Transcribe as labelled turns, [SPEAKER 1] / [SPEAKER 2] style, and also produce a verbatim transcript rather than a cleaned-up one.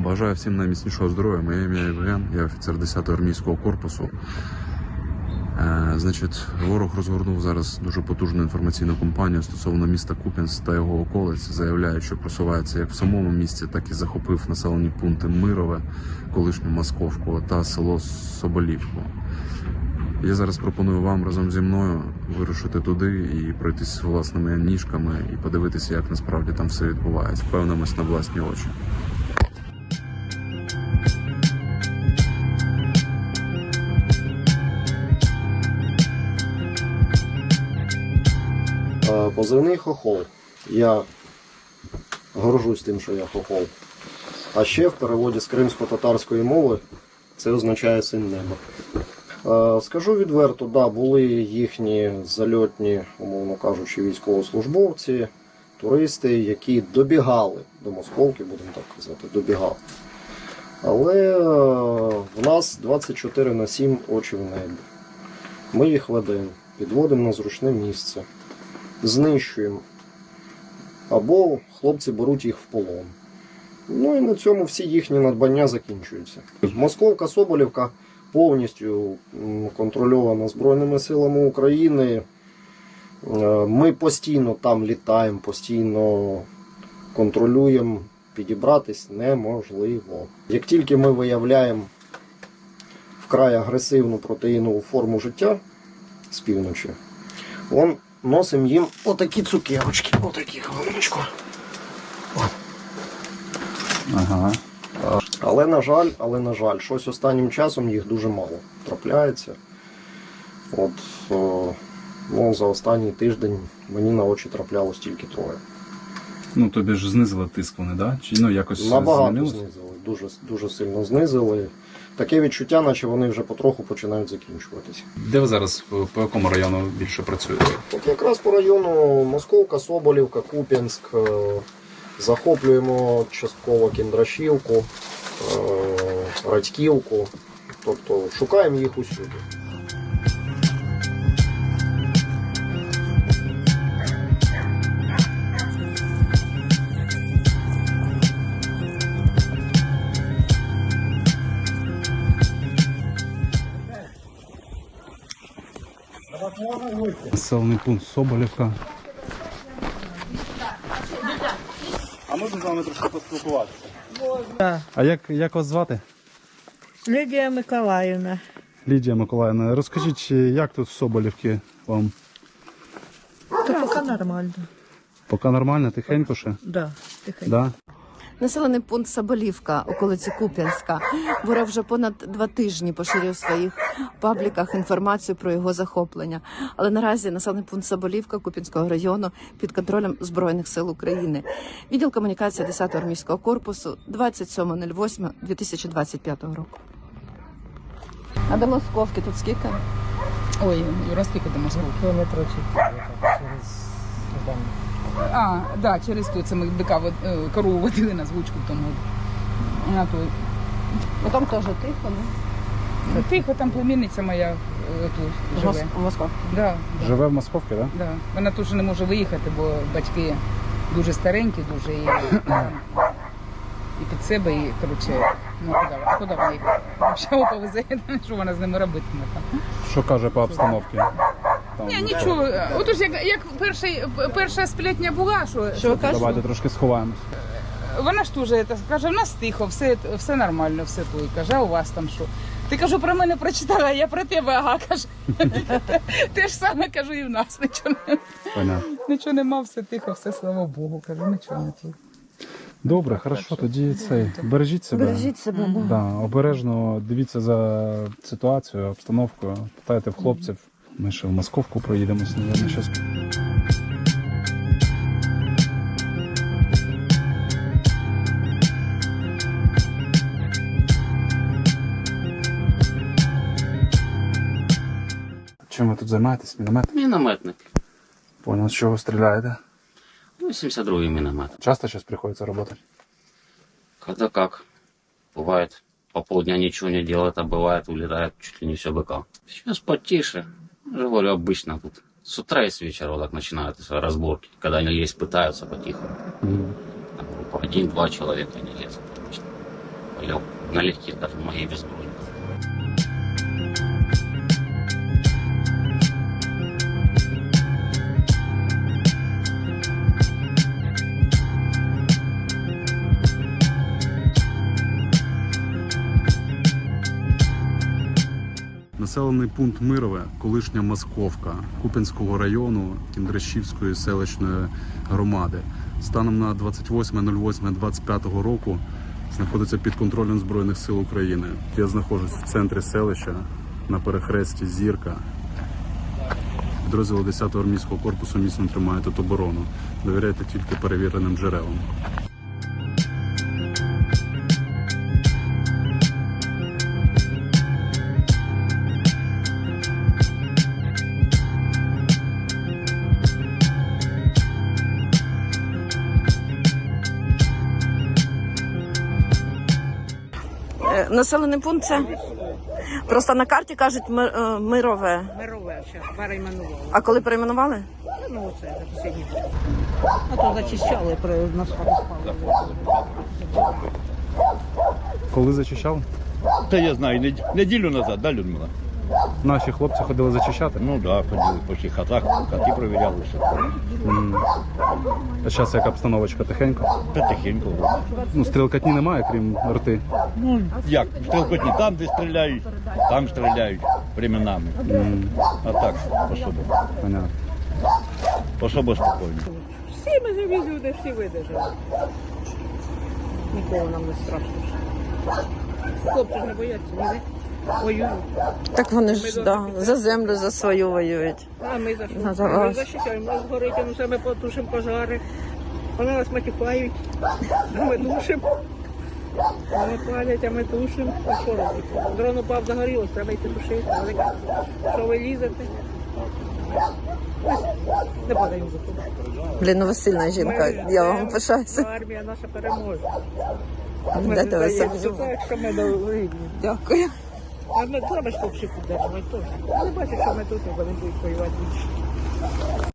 [SPEAKER 1] Бажаю всім найміцнішого здоров'я. Моє ім'я Євген, я офіцер десятого армійського корпусу. Е, значить, ворог розгорнув зараз дуже потужну інформаційну кампанію стосовно міста Куп'янськ та його околиць. Заявляють, що просувається як в самому місті, так і захопив населені пункти Мирове, колишню Московку та село Соболівку. Я зараз пропоную вам разом зі мною вирушити туди і пройтись власними ніжками і подивитися, як насправді там все відбувається. Впевнимось на власні очі.
[SPEAKER 2] Позивний хохол. Я горжусь тим, що я хохол. А ще в переводі з кримсько-татарської мови це означає син неба. Скажу відверто, да, були їхні зальотні, умовно кажучи, військовослужбовці, туристи, які добігали до Московки, будемо так казати, добігали. Але в нас двадцять чотири на сім очі в небі. Ми їх ведемо, підводимо на зручне місце, знищуємо. Або хлопці беруть їх в полон. Ну і на цьому всі їхні надбання закінчуються. Московка, Соболівка повністю контрольована Збройними силами України. Ми постійно там літаємо, постійно контролюємо. Підібратись неможливо. Як тільки ми виявляємо вкрай агресивну протеїнову форму життя з півночі, он носимо їм отакі цукерочки, отакі хвилиночку.
[SPEAKER 1] Ага.
[SPEAKER 2] Але, на жаль, але, на жаль, щось останнім часом їх дуже мало трапляється. От, о, ну, за останній тиждень мені на очі траплялось тільки троє.
[SPEAKER 3] Ну, тобі ж знизили тиск вони, да? Чи ну, якось
[SPEAKER 2] Набагато
[SPEAKER 3] змінилось?
[SPEAKER 2] знизили, дуже, дуже сильно знизили. Таке відчуття, наче вони вже потроху починають закінчуватися.
[SPEAKER 3] Де ви зараз, по якому району більше працюєте?
[SPEAKER 2] От якраз по району Московка, Соболівка, Куп'янськ, захоплюємо частково Кіндрашівку, Радьківку, тобто шукаємо їх усюди.
[SPEAKER 3] Населений пункт Соболівка.
[SPEAKER 4] А можна з вами трошки поспілкуватися?
[SPEAKER 3] А як, як вас звати?
[SPEAKER 5] Лідія Миколаївна.
[SPEAKER 3] Лідія Миколаївна. Розкажіть, як тут в Соболівці вам?
[SPEAKER 5] Та поки нормально.
[SPEAKER 3] Поки нормально, тихенько ще?
[SPEAKER 5] Да, тихенько.
[SPEAKER 3] Да?
[SPEAKER 6] Населений пункт Соболівка, околиці Куп'янська. Ворог вже понад два тижні поширює в своїх пабліках інформацію про його захоплення. Але наразі населений пункт Соболівка Куп'янського району під контролем Збройних сил України. Відділ комунікації десятого армійського корпусу, двадцять сьоме восьме дві тисячі двадцять п'ятого року. А до Московки тут скільки?
[SPEAKER 7] Ой, Юра, скільки до Московки?
[SPEAKER 5] Кілометрів через...
[SPEAKER 7] А, да, через то це ми бика вод- е, корову водили на звучку в тому. На той.
[SPEAKER 6] Ну там теж тихо, не?
[SPEAKER 7] Ну, тихо, там племінниця моя е, тут живе.
[SPEAKER 6] В Московці.
[SPEAKER 7] Да,
[SPEAKER 3] Живе в Московці, так? Да?
[SPEAKER 7] да. Вона теж не може виїхати, бо батьки дуже старенькі, дуже і, там, і під себе, і коротше, ну куди, а куди вона їх? Взагалі повезе, що вона з ними робитиме там.
[SPEAKER 3] Що каже по обстановці? Там,
[SPEAKER 7] Ні, нічого. Отож, як, як перший, перша сплетня була, що,
[SPEAKER 6] Що ви кажете?
[SPEAKER 3] Давайте трошки сховаємось.
[SPEAKER 7] вона ж теж це каже, в нас тихо, все, все нормально, все тут. Каже, а у вас там що? Ти, кажу, про мене прочитала, а я про тебе, ага, каже. Те ж саме, кажу, і в нас нічого не,
[SPEAKER 3] Понятно.
[SPEAKER 7] нічого нема, все тихо, все, слава Богу, кажу, нічого не тут.
[SPEAKER 3] Добре, хорошо, тоді цей, бережіть себе.
[SPEAKER 5] Бережіть себе, да.
[SPEAKER 3] Да, обережно дивіться за ситуацією, обстановкою, питайте в хлопців. Ми ще в Московку проїдемось, мабуть, щось. Чим ви тут займаєтесь? Міномет?
[SPEAKER 8] Мінометник.
[SPEAKER 3] Понял, з чого стріляєте?
[SPEAKER 8] Ну, сімдесят другий міномет.
[SPEAKER 3] Часто зараз приходиться працювати?
[SPEAKER 8] Когда как. Бывает по полдня ничего не делает, а бывает улетает чуть ли не все быка. Сейчас потише. Я же говорю, обычно тут. С утра и с вечера вот так начинаются разборки. Когда они лезть пытаются потихоньку. Там группа один-два человека не лезут обычно. Или налегке, даже моей безброй.
[SPEAKER 1] Населений пункт Мирове, колишня Московка Куп'янського району Кіндрашівської селищної громади. Станом на двадцять восьме восьме двадцять п'ятого року знаходиться під контролем Збройних сил України. Я знаходжусь в центрі селища на перехресті Зірка. Підрозділи десятого армійського корпусу міцно тримають тут оборону. Довіряйте тільки перевіреним джерелам.
[SPEAKER 6] Е, Населений пункт це просто на карті кажуть Ми- е, Мирове.
[SPEAKER 9] Мирове, зараз перейменували.
[SPEAKER 6] А коли перейменували?
[SPEAKER 9] Ну, оце за останні. А то зачищали, при нас спали.
[SPEAKER 3] Коли зачищали?
[SPEAKER 10] Та я знаю, нед- неділю назад, да, Людмила?
[SPEAKER 3] Наші хлопці ходили зачищати.
[SPEAKER 10] Ну да, ходили по всіх хатах, хати провіряли, все.
[SPEAKER 3] М. А зараз яка обстановочка тихенько?
[SPEAKER 10] Та тихенько.
[SPEAKER 3] Ну, стрілкатні немає, крім рти.
[SPEAKER 10] Ну, як, стрілкотні там, де стріляють, там стріляють временами.
[SPEAKER 3] М.
[SPEAKER 10] А так, особо,
[SPEAKER 3] Понятно.
[SPEAKER 10] особо спокійно.
[SPEAKER 9] Всі ми живі люди, всі видержали. Нікого нам не страшно. Хлопці ж не бояться, ні? Воюють.
[SPEAKER 6] Так вони ж да, за землю за свою воюють.
[SPEAKER 9] А ми за що?
[SPEAKER 6] Ну, за
[SPEAKER 9] Ми
[SPEAKER 6] вас.
[SPEAKER 9] захищаємо, нас горить, ну все ми потушимо пожари. Вони нас матюкають, а ми тушимо. Вони палять, а ми тушимо. А що робити? Дрон упав, загорілось, треба йти тушити. Вони кажуть, що ви лізете? Ось, не падаємо за тобою.
[SPEAKER 6] Блін, ну ви сильна жінка,
[SPEAKER 9] Ми
[SPEAKER 6] я вам
[SPEAKER 9] йдемо,
[SPEAKER 6] пишаюся.
[SPEAKER 9] Армія наша переможе. Ми
[SPEAKER 6] Дайте
[SPEAKER 9] не
[SPEAKER 6] ви
[SPEAKER 9] здаємося
[SPEAKER 6] собі.
[SPEAKER 9] так, що ми довольні.
[SPEAKER 6] Дякую.
[SPEAKER 9] А ми треба ж хлопців підтримувати теж. Вони бачать, що ми тут, і вони будуть воювати більше.